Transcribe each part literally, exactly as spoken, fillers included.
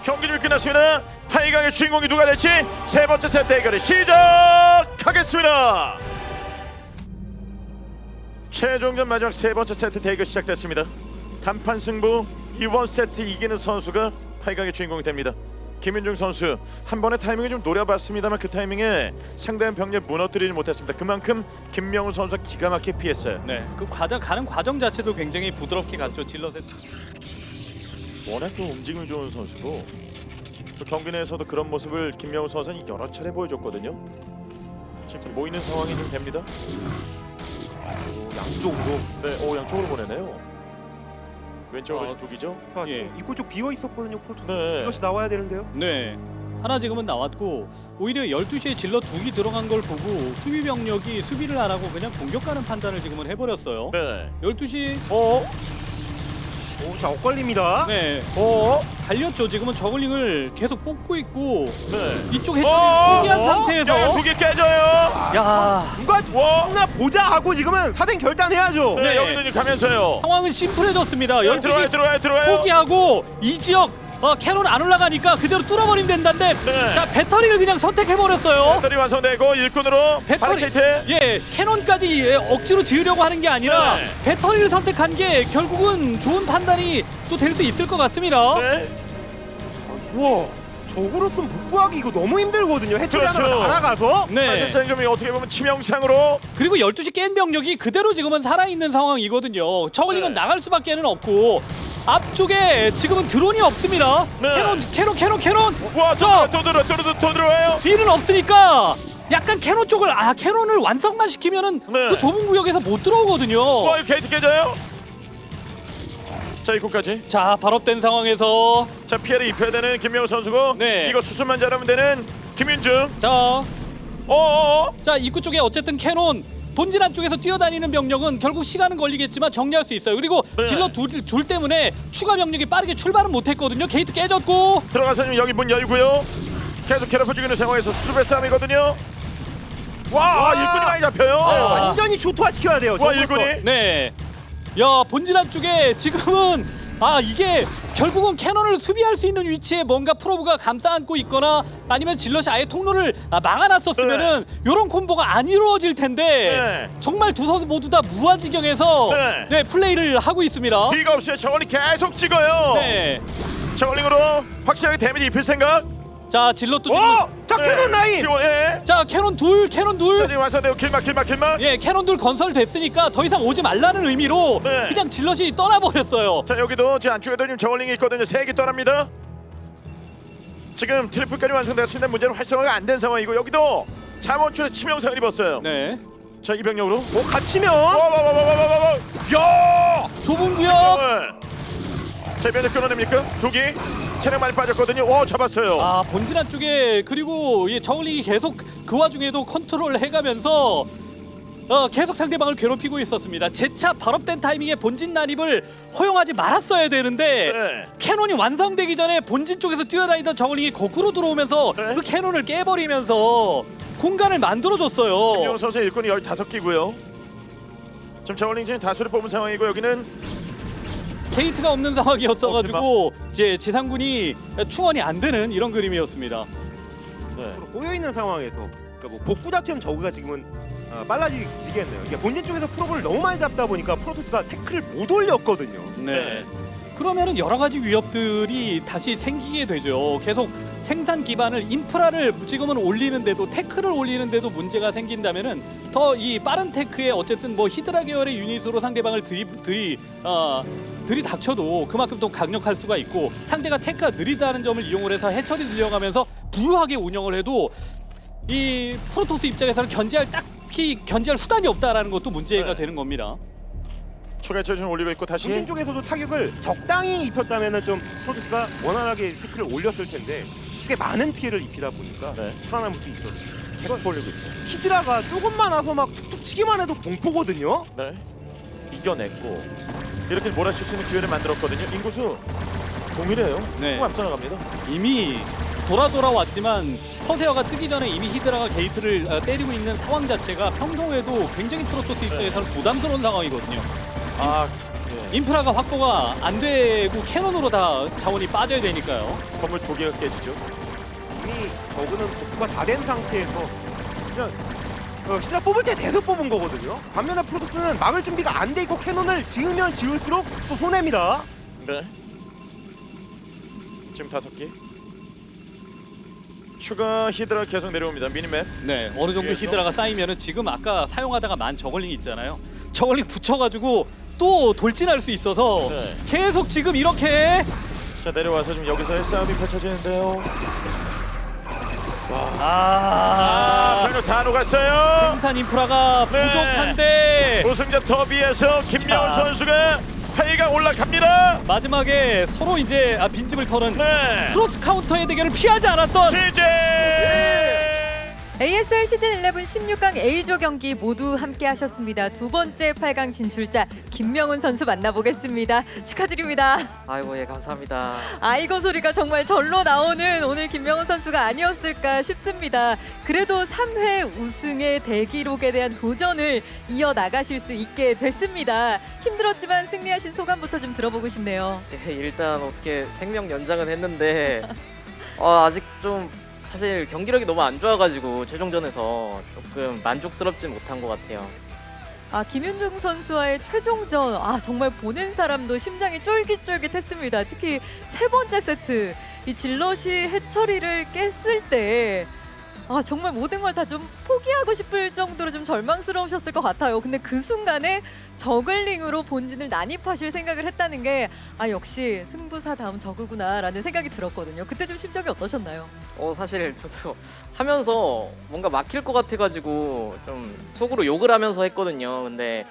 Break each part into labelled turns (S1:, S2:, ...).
S1: 경기 좀 끝났습니다. 타이강의 주인공이 누가 될지 세 번째 세트 대결이 시작하겠습니다. 최종전 마지막 세 번째 세트 대결 시작됐습니다. 단판 승부 이번 세트 이기는 선수가 타이강의 주인공이 됩니다. 김윤중 선수 한 번의 타이밍을 좀 노려봤습니다만 그 타이밍에 상대한 병력 무너뜨리지 못했습니다. 그만큼 김명훈 선수가 기가 막히게 피했어요.
S2: 네, 그 과정 가는 과정 자체도 굉장히 부드럽게 갔죠. 질럿의
S1: 워낙 그 움직임이 좋은 선수고 또 경기 내에서도 그런 모습을 김명훈 선수는 여러 차례 보여줬거든요. 지금 모이는 상황이 좀 됩니다. 오, 양쪽으로 네, 오 양쪽으로 보내네요. 왼쪽으로
S2: 아,
S1: 독이죠.
S3: 아,
S2: 예.
S3: 지금 입구 쪽 비어 있었거든요. 프로토스.
S1: 네.
S3: 이것이 나와야 되는데요.
S2: 네. 하나 지금은 나왔고 오히려 열두 시에 질럿 두기 들어간 걸 보고 수비 병력이 수비를 안 하고 그냥 공격하는 판단을 지금은 해버렸어요.
S1: 네.
S2: 열두 시
S1: 어?
S3: 오, 자 엇갈립니다.
S2: 네.
S1: 어?
S2: 달렸죠. 지금은 저글링을 계속 뽑고 있고
S1: 네.
S2: 이쪽 해처리
S1: 어?
S2: 포기한
S3: 어?
S2: 상태에서
S1: 야, 두개 깨져요.
S2: 야
S3: 누가
S1: 와.
S3: 누나 보자 하고 지금은 사생 결단해야죠.
S1: 네,
S2: 네.
S1: 여기도 지금 가면서요.
S2: 상황은 심플해졌습니다.
S1: 네,
S2: 열두 시
S1: 들어와요, 들어와요, 들어와요.
S2: 포기하고 이 지역 어, 캐논 안 올라가니까 그대로 뚫어버리면 된다는데
S1: 네.
S2: 자 배터리를 그냥 선택해버렸어요.
S1: 배터리 완성되고 일꾼으로
S2: 배터리
S1: 바리케이트.
S2: 예 캐논까지 예, 억지로 지으려고 하는 게 아니라
S1: 네.
S2: 배터리를 선택한 게 결국은 좋은 판단이 또 될 수 있을 것 같습니다.
S1: 네.
S3: 우와. 적으로선 복구하기 이거 너무 힘들거든요. 해처리
S1: 그렇죠.
S3: 하나가 날아가서.
S2: 네.
S1: 사실상 좀 어떻게 보면 치명상으로
S2: 그리고 열두 시 깬 병력이 그대로 지금은 살아있는 상황이거든요. 저글링은
S1: 네.
S2: 나갈 수밖에는 없고 앞쪽에 지금은 드론이 없습니다.
S1: 네.
S2: 캐논 캐논 캐논 캐논
S1: 와,
S2: 저
S1: 또 들어, 또 들어, 또 들어와요.
S2: 뒤는 없으니까 약간 캐논 쪽을 아 캐논을 완성만 시키면은
S1: 네.
S2: 그 좁은 구역에서 못 들어오거든요.
S1: 와, 이거 게이트 깨져요. 자, 입구까지.
S2: 자 발업된 상황에서
S1: 자, 피해를 입혀야 되는 김명우 선수고
S2: 네.
S1: 이거 수순만 잘하면 되는 김윤중.
S2: 자,
S1: 어어어.
S2: 자 입구 쪽에 어쨌든 캐논 본진 안쪽에서 뛰어다니는 병력은 결국 시간은 걸리겠지만 정리할 수 있어요. 그리고
S1: 네.
S2: 질러 둘, 둘 때문에 추가 병력이 빠르게 출발은 못했거든요. 게이트 깨졌고
S1: 들어가서 지금 여기 문 열고요. 계속 괴롭혀주고 있는 상황에서 수습의 싸움이거든요. 와,
S3: 와.
S1: 일꾼이 많이 잡혀요.
S2: 아.
S3: 완전히 초토화시켜야 돼요.
S1: 와,
S3: 적으로서.
S1: 일꾼이.
S2: 네. 야 본진 안쪽에 지금은 아 이게 결국은 캐논을 수비할 수 있는 위치에 뭔가 프로브가 감싸 안고 있거나 아니면 질럿이 아예 통로를 아, 막아놨었으면은 요런 콤보가 안 이루어질 텐데
S1: 네.
S2: 정말 두 선수 모두 다 무아지경에서
S1: 네.
S2: 네, 플레이를 하고 있습니다.
S1: 비가 없어요. 저걸링 계속 찍어요.
S2: 네.
S1: 저걸링으로 확실하게 데미지 입힐 생각.
S2: 자 질럿도 지금
S3: 어! 자 캐논 라인.
S1: 지원해.
S2: 자 캐논 둘 캐논
S1: 자,
S2: 둘
S1: 지금 완성되고 길막 길막 길막.
S2: 예, 캐논 둘 건설됐으니까 더 이상 오지 말라는 의미로
S1: 네.
S2: 그냥 질럿이 떠나버렸어요.
S1: 자, 여기도 제 안쪽에도 지금 저걸링이 있거든요. 세 개 떠납니다. 지금 트리플까지 완성됐습니다. 문제는 활성화가 안 된 상황이고 여기도 자원줄에 치명상을 입었어요.
S2: 네.
S1: 자, 이 병력으로.
S3: 뭐 갇히면
S1: 와와와와와와와. 야!
S2: 좁은 구역.
S1: 네. 자, 면역 끊어냅니까? 두기 체력 많이 빠졌거든요. 와, 잡았어요.
S2: 아 본진 안쪽에 그리고 이 저울링이 계속 그 와중에도 컨트롤 해가면서 어, 계속 상대방을 괴롭히고 있었습니다. 재차 발업된 타이밍에 본진 난입을 허용하지 말았어야 되는데
S1: 네.
S2: 캐논이 완성되기 전에 본진 쪽에서 뛰어다니던 저울링이 거꾸로 들어오면서
S1: 네.
S2: 그 캐논을 깨버리면서 공간을 만들어줬어요.
S1: 김영호 선수의 일꾼이 열다섯 기고요. 지금 저울링 지금 다수를 뽑은 상황이고 여기는
S2: 게이트가 없는 상황이었어가지고 이제 지상군이 충원이 안 되는 이런 그림이었습니다.
S1: 네.
S3: 꼬여 있는 상황에서 그러니까 뭐 복구 자체는 저그가 지금은 어, 빨라지겠네요. 이게 본진 쪽에서 프로브를 너무 많이 잡다 보니까 프로토스가 태클을 못 올렸거든요.
S2: 네. 그러면은 여러 가지 위협들이 다시 생기게 되죠. 계속 생산 기반을 인프라를 지금은 올리는데도 태클을 올리는데도 문제가 생긴다면은 더 이 빠른 테크에 어쨌든 뭐 히드라 계열의 유닛으로 상대방을 들이 들이 어 들이닥쳐도 그만큼 더 강력할 수가 있고 상대가 테크가 느리다는 점을 이용을 해서 해처리 늘려가면서 부유하게 운영을 해도 이 프로토스 입장에서는 견제할 딱히 견제할 수단이 없다라는 것도 문제가
S1: 네.
S2: 되는 겁니다.
S1: 추가 체중 올리고 있고 다시
S3: 본진 쪽에서도 타격을 적당히 입혔다면은 좀 프로토스가 원활하게 태클을 올렸을 텐데 꽤 많은 피해를 입히다 보니까
S1: 네.
S3: 불안함도 있었어요.
S1: 계속 올리고 있어요.
S3: 히드라가 조금만 와서 막 툭툭 치기만 해도 공포거든요.
S1: 네. 이겨냈고 이렇게 몰아칠 수 있는 기회를 만들었거든요. 인구수 동일해요.
S2: 네.
S1: 조금 앞서 나갑니다.
S2: 이미 돌아 돌아왔지만 커세어가 뜨기 전에 이미 히드라가 게이트를 어, 때리고 있는 상황 자체가 평소에도 굉장히 프로토스 입장에서는 부담스러운 상황이거든요.
S1: 아, 예.
S2: 인프라가 확보가 안 되고 캐논으로 다 자원이 빠져야 되니까요.
S1: 건물 두 개가 깨지죠.
S3: 이미 저그는 복구가 다 된 상태에서 그냥 어, 신라 뽑을 때 대서 뽑은 거거든요. 반면에 프로토스는 막을 준비가 안 돼 있고 캐논을 지으면 지을수록 또 손해입니다.
S1: 네. 지금 다섯 개. 추가 히드라 계속 내려옵니다. 미니맵.
S2: 네, 어느 정도
S1: 위에서?
S2: 히드라가 쌓이면은 지금 아까 사용하다가 만 저글링 있잖아요. 저글링 붙여가지고 또 돌진할 수 있어서
S1: 네.
S2: 계속 지금 이렇게
S1: 자 내려와서 지금 여기서의 싸움이 펼쳐지는데요. 아,
S2: 아,
S1: 방금 다 녹았어요.
S2: 생산 인프라가
S1: 네.
S2: 부족한데
S1: 우승자 더비에서 김명훈
S2: 자.
S1: 선수가 팔 강 올라갑니다.
S2: 마지막에 서로 이제 아, 빈집을 털은
S1: 네.
S2: 크로스 카운터의 대결을 피하지 않았던
S1: 시제.
S4: 에이에스엘 시즌 십일 십육 강 A조 경기 모두 함께 하셨습니다. 두 번째 팔 강 진출자 김명훈 선수 만나보겠습니다. 축하드립니다.
S5: 아이고 예 감사합니다.
S4: 아이고 소리가 정말 절로 나오는 오늘 김명훈 선수가 아니었을까 싶습니다. 그래도 삼 회 우승의 대기록에 대한 도전을 이어나가실 수 있게 됐습니다. 힘들었지만 승리하신 소감부터 좀 들어보고 싶네요.
S5: 예, 일단 어떻게 생명 연장은 했는데 어, 아직 좀 사실 경기력이 너무 안 좋아가지고 최종전에서 조금 만족스럽지 못한 것 같아요.
S4: 아, 김윤중 선수와의 최종전, 아 정말 보는 사람도 심장이 쫄깃쫄깃했습니다. 특히 세 번째 세트 이 질럿이 해처리를 깼을 때 아 정말 모든 걸 다 좀 포기하고 싶을 정도로 좀 절망스러우셨을 것 같아요. 근데 그 순간에 저글링으로 본진을 난입하실 생각을 했다는 게 아 역시 승부사 다음 저그구나라는 생각이 들었거든요. 그때 좀 심정이 어떠셨나요?
S5: 어 사실 저도 하면서 뭔가 막힐 것 같아가지고 좀 속으로 욕을 하면서 했거든요. 근데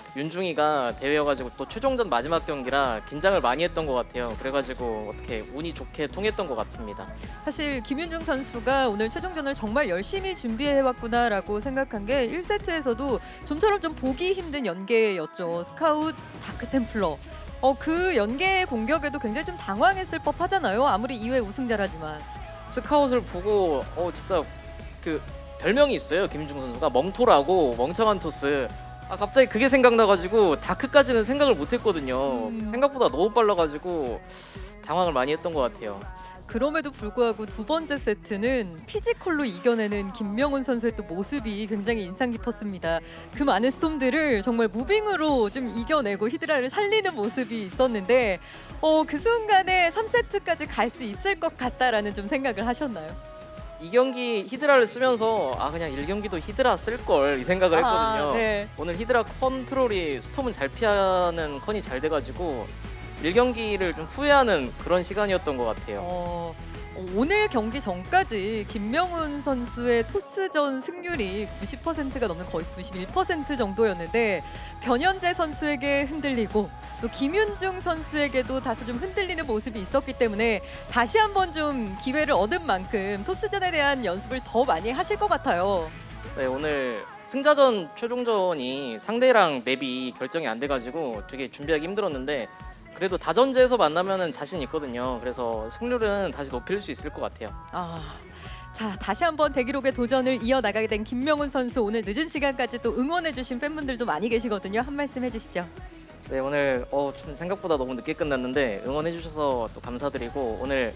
S5: 윤중이가 대회여가지고 또 최종전 마지막 경기라 긴장을 많이 했던 것 같아요. 그래가지고 어떻게 운이 좋게 통했던 것 같습니다.
S4: 사실 김윤중 선수가 오늘 최종전을 정말 열심히 준비해왔구나라고 생각한 게 일 세트에서도 좀처럼 좀 보기 힘든 연계였죠. 스카웃, 다크템플러. 어, 그 연계 공격에도 굉장히 좀 당황했을 법하잖아요. 아무리 이 회 우승자라지만.
S5: 스카웃을 보고 어 진짜 그 별명이 있어요. 김윤중 선수가 멍토라고 멍청한 토스. 아 갑자기 그게 생각나가지고 다크까지는 생각을 못했거든요.
S4: 음.
S5: 생각보다 너무 빨라가지고 당황을 많이 했던 것 같아요.
S4: 그럼에도 불구하고 두 번째 세트는 피지컬로 이겨내는 김명훈 선수의 또 모습이 굉장히 인상 깊었습니다. 그 많은 스톰들을 정말 무빙으로 좀 이겨내고 히드라를 살리는 모습이 있었는데 어, 그 순간에 삼 세트까지 갈 수 있을 것 같다라는 좀 생각을 하셨나요?
S5: 이 경기 히드라를 쓰면서 아 그냥 일 경기도 히드라 쓸 걸 이 생각을 했거든요.
S4: 아, 네.
S5: 오늘 히드라 컨트롤이 스톰은 잘 피하는 컨이 잘 돼가지고 일 경기를 좀 후회하는 그런 시간이었던 것 같아요.
S4: 어, 오늘 경기 전까지 김명훈 선수의 토스전 승률이 구십 퍼센트가 넘는 거의 구십일 퍼센트 정도였는데 변현재 선수에게 흔들리고 또 김윤중 선수에게도 다소 좀 흔들리는 모습이 있었기 때문에 다시 한번 좀 기회를 얻은 만큼 토스전에 대한 연습을 더 많이 하실 것 같아요.
S5: 네, 오늘 승자전 최종전이 상대랑 맵이 결정이 안 돼가지고 되게 준비하기 힘들었는데 그래도 다전제에서 만나면은 자신 있거든요. 그래서 승률은 다시 높일 수 있을 것 같아요.
S4: 아, 자 다시 한번 대기록의 도전을 이어나가게 된 김명훈 선수 오늘 늦은 시간까지 또 응원해주신 팬분들도 많이 계시거든요. 한 말씀 해주시죠.
S5: 네, 오늘 어, 좀 생각보다 너무 늦게 끝났는데 응원해주셔서 또 감사드리고 오늘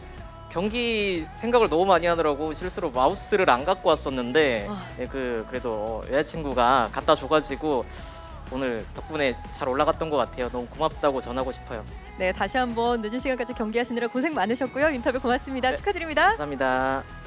S5: 경기 생각을 너무 많이 하느라고 실수로 마우스를 안 갖고 왔었는데
S4: 아.
S5: 네, 그 그래도 어, 여자친구가 갖다 줘가지고 오늘 덕분에 잘 올라갔던 것 같아요. 너무 고맙다고 전하고 싶어요.
S4: 네, 다시 한번 늦은 시간까지 경기하시느라 고생 많으셨고요. 인터뷰 고맙습니다.
S5: 네.
S4: 축하드립니다.
S5: 감사합니다.